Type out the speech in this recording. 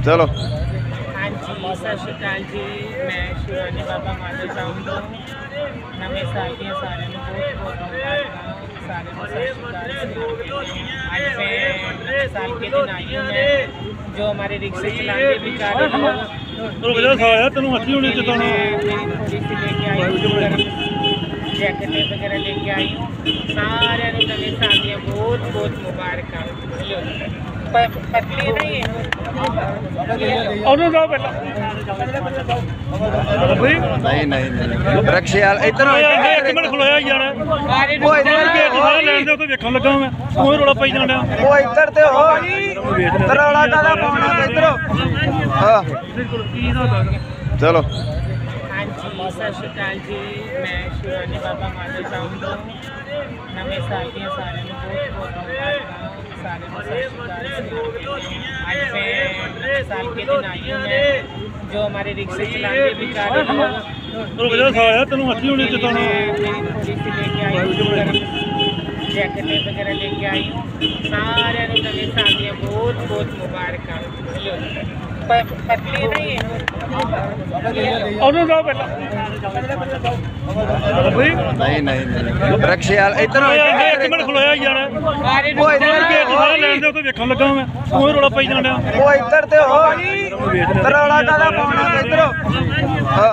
चलो हाँ जी सत श्री अकाल जी। मैं शिवानी बाबा माधो साहब तो नवे साल दी सारे बहुत बहुत मुबारक। सारे को सत श्री अकाल। आज मैं साल के दिन आई हूँ। मैं जो हमारे रिक्शे चलाने बेचारे तेन अच्छी होनी मेरी थोड़ी सी लेके आई हूँ, जैकेट वगैरह लेके आई हूँ। सारे नवे साल दी बहुत बहुत मुबारक। पतली नहीं नहीं नहीं नहीं रक्शे वाल इधर एक मिनट खलोया यार वेखन लगा मैं ਉਹ ਰੋਲਾ ਪਈ ਜਾਂਦਾ वो इधर ते हो रौला कादा पाउणा इधर हां चलो हाँ जी सत श्री अकाल जी। मैं शिवानी बाबा माधो साहब तो नवे साल दी सारे बहुत बहुत मुबारक। सारे को सत श्री अकाल। आज मैं साल के दिन आई हूँ। मैं जो हमारे रिक्शे चलाने बेचारे तेन अच्छी होनी मेरी थोड़ी सी लेके आई हूँ, जैकेट वगैरह लेके आई हूँ। सारे नवे साल दी बहुत बहुत मुबारक। पतली नहीं नहीं नहीं नहीं रक्शे वाल इधर एक मिनट खलोया यार वेखन लगा मैं ਉਹ ਰੋਲਾ ਪਈ ਜਾਂਦਾ वो इधर ते हो रौला कादा पाउणा इधर हां